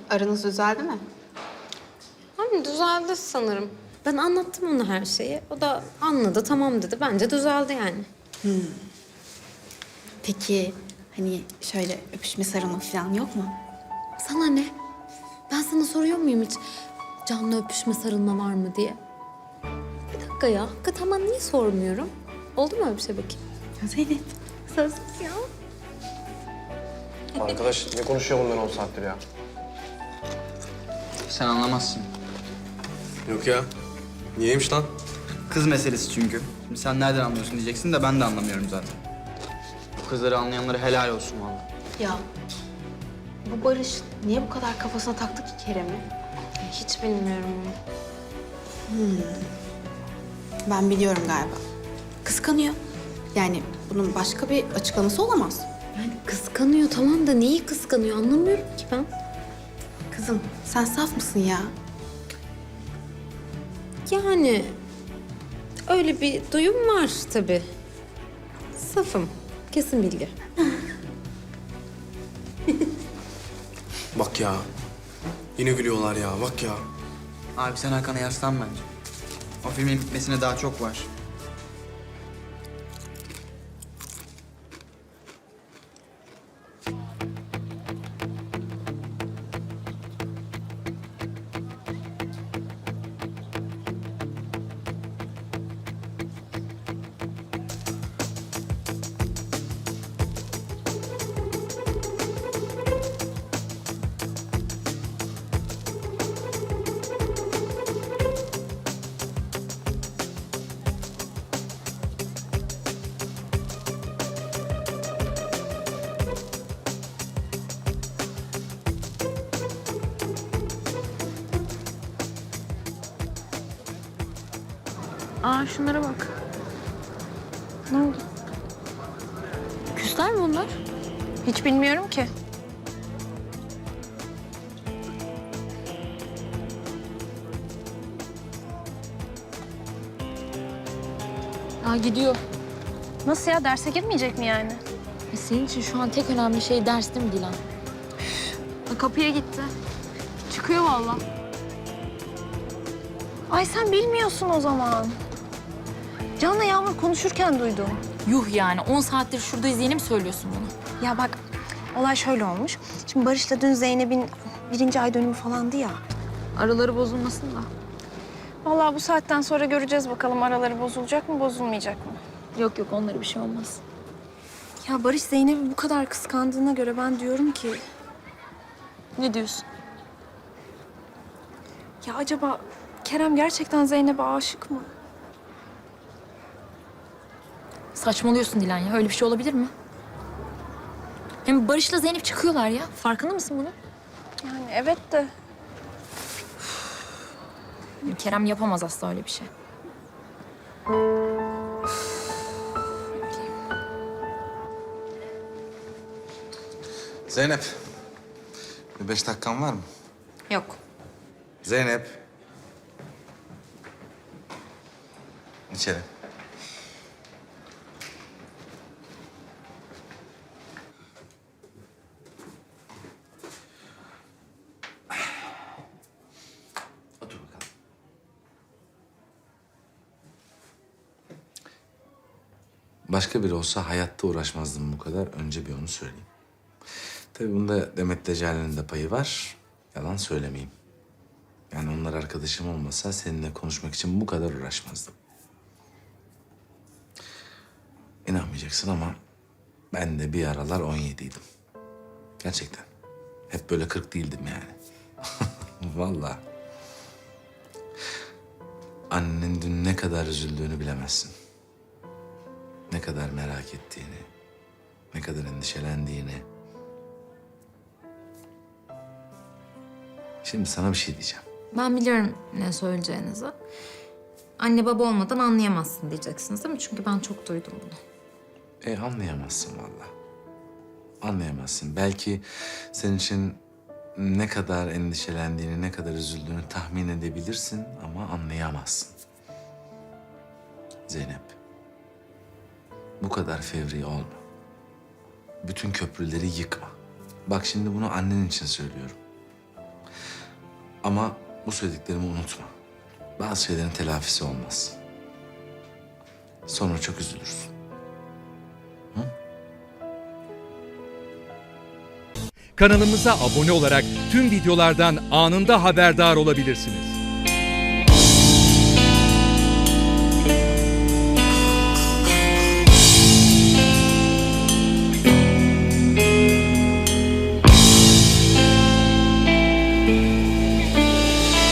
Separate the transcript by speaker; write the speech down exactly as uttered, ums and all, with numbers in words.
Speaker 1: Aranız düzeldi mi?
Speaker 2: Hani düzeldi sanırım. Ben anlattım ona her şeyi. O da anladı, tamam dedi. Bence düzeldi yani.
Speaker 1: Peki hani şöyle öpüşme sarılma falan yok mu?
Speaker 2: Sana ne? Ben sana soruyor muyum hiç canlı öpüşme, sarılma var mı diye? Bir dakika ya. Hakikaten ben niye sormuyorum? Oldu mu öyle bir şey bakayım?
Speaker 1: Ya Zeynep.
Speaker 2: Sözsüz ya.
Speaker 3: Arkadaş ne konuşuyor bunlar on saattir ya?
Speaker 4: Sen anlamazsın.
Speaker 3: Yok ya. Niyeymiş lan?
Speaker 4: Kız meselesi çünkü. Şimdi sen nereden anlıyorsun diyeceksin de ben de anlamıyorum zaten. Bu kızları anlayanlara helal olsun vallahi.
Speaker 1: Ya bu Barış niye bu kadar kafasına taktı ki Kerem'i?
Speaker 2: Hiç bilmiyorum onu.
Speaker 1: Ben biliyorum galiba. Kıskanıyor. Yani bunun başka bir açıklaması olamaz.
Speaker 2: Yani kıskanıyor tamam da neyi kıskanıyor anlamıyorum ki ben.
Speaker 1: Kızım sen saf mısın ya?
Speaker 2: Yani öyle bir duyum var tabii. Safım. Kesin bilgi.
Speaker 3: Bak ya. Yine gülüyorlar ya bak ya.
Speaker 4: Abi sen Hakan'a yaslan bence. O filmin bitmesine daha çok var.
Speaker 5: Aa şunlara bak. Ne oldu? Küsler mi onlar? Hiç bilmiyorum ki. Aa gidiyor. Nasıl ya? Derse girmeyecek mi yani?
Speaker 6: E senin için şu an tek önemli şey ders değil mi Dilan?
Speaker 5: Aa, kapıya gitti. Çıkıyor vallahi. Ay sen bilmiyorsun o zaman. Can'la Yağmur konuşurken duydum.
Speaker 6: Yuh yani on saattir şuradayız yeni mi söylüyorsun bunu?
Speaker 5: Ya bak olay şöyle olmuş. Şimdi Barış'la dün Zeynep'in birinci ay dönümü falandı ya.
Speaker 6: Araları bozulmasın da.
Speaker 5: Vallahi bu saatten sonra göreceğiz bakalım araları bozulacak mı bozulmayacak mı?
Speaker 6: Yok yok onlara bir şey olmaz.
Speaker 5: Ya Barış Zeynep'i bu kadar kıskandığına göre ben diyorum ki...
Speaker 6: Ne diyorsun?
Speaker 5: Ya acaba Kerem gerçekten Zeynep'e aşık mı?
Speaker 6: Saçmalıyorsun Dilan ya öyle bir şey olabilir mi? Hem Barış'la Zeynep çıkıyorlar ya. Farkında mısın bunun?
Speaker 5: Yani evet de...
Speaker 6: Kerem yapamaz asla öyle bir şey.
Speaker 7: Zeynep, bir beş dakikan var mı?
Speaker 2: Yok.
Speaker 7: Zeynep. İçeri. Otur bakalım. Başka biri olsa hayatta uğraşmazdım bu kadar. Önce bir onu söyleyeyim. Tabii bunda Demet Deccali'nin de payı var. Yalan söylemeyeyim. Yani onlar arkadaşım olmasa seninle konuşmak için bu kadar uğraşmazdım. İnanmayacaksın ama ben de bir aralar on yediydim. Gerçekten. Hep böyle kırk değildim yani. Vallahi. Annenin dün ne kadar üzüldüğünü bilemezsin. Ne kadar merak ettiğini, ne kadar endişelendiğini. Şimdi sana bir şey diyeceğim.
Speaker 2: Ben biliyorum ne söyleyeceğinizi. Anne baba olmadan anlayamazsın diyeceksiniz değil mi? Çünkü ben çok duydum bunu.
Speaker 7: E anlayamazsın vallahi. Anlayamazsın. Belki senin için ne kadar endişelendiğini, ne kadar üzüldüğünü tahmin edebilirsin ama anlayamazsın. Zeynep, bu kadar fevri olma. Bütün köprüleri yıkma. Bak şimdi bunu annen için söylüyorum. Ama bu söylediklerimi unutma. Bazı şeylerin telafisi olmaz. Sonra çok üzülürsün.
Speaker 8: Kanalımıza abone olarak tüm videolardan anında haberdar olabilirsiniz.